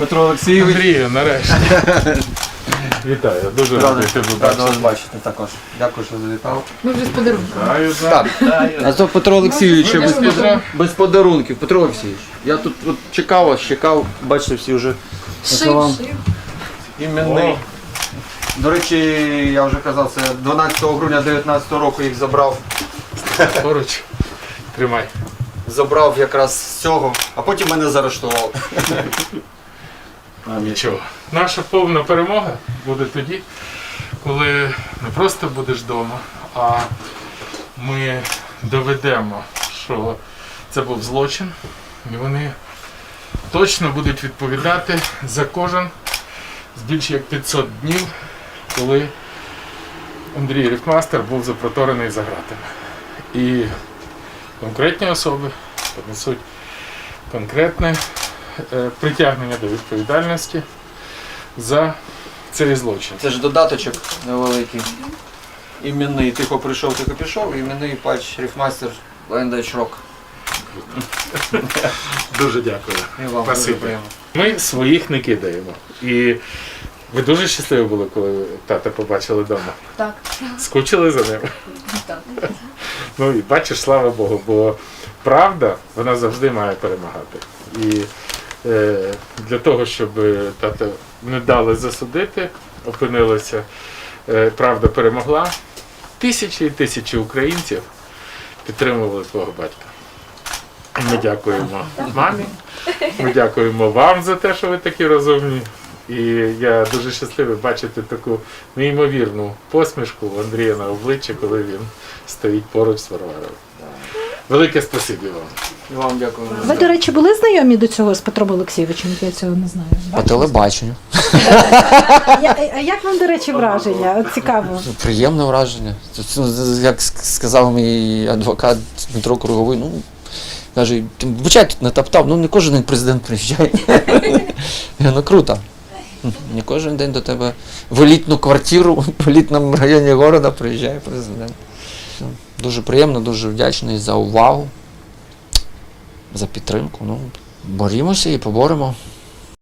Петро Олексійович. Андрію, нарешті. Вітаю, дуже радий тебе Рада вас бачити. бачити також. Дякую, що завітав. Ми вже з подарунком. Так, а то Петро Олексійович без подарунків. Петро Олексійович, я тут от чекав, бачите, всі вже Шив. іменний. До речі, я вже казав, це 12 грудня 2019 року їх забрав. Поруч. Тримай. Забрав якраз з цього, а потім мене заарештував. Нічого. Наша повна перемога буде тоді, коли не просто будеш вдома, а ми доведемо, що це був злочин, і вони точно будуть відповідати за кожен з більше як 500 днів, коли Андрій Рифмастер був запроторений за ґратами. І конкретні особи понесуть конкретне притягнення до відповідальності за цей злочин. Це ж додаточок невеликий. Іменний, тихо прийшов, тихо пішов, іменний патч Рифмастер Lion Rock. Дуже дякую. І вам дуже Спасибо. приємно. Ми своїх не кидаємо. І ви дуже щасливі були, коли тата побачили вдома. Так. Скучили за ним. Так. Ну і бачиш, слава Богу, бо правда, вона завжди має перемагати. І для того, щоб тата не дали засудити, опинилося, правда перемогла. Тисячі і тисячі українців підтримували твого батька. Ми дякуємо мамі, ми дякуємо вам за те, що ви такі розумні. І я дуже щасливий бачити таку неймовірну посмішку у Андрія на обличчі, коли він стоїть поруч з Варварою. Велике спасибі вам. І вам дякую. Ви, до речі, були знайомі до цього з Петром Олексійовичем? Я цього не знаю. По телебаченню. А як вам, до речі, враження? От цікаво. Приємне враження. Як сказав мій адвокат Дмитро Круговий, ну, каже, ти вибачай, тут не топтав, ну не кожен день президент приїжджає. Ну круто. Не кожен день до тебе в елітну квартиру, в елітному районі міста приїжджає президент. Дуже приємно, дуже вдячний за увагу, за підтримку. Ну, борімося і поборемо.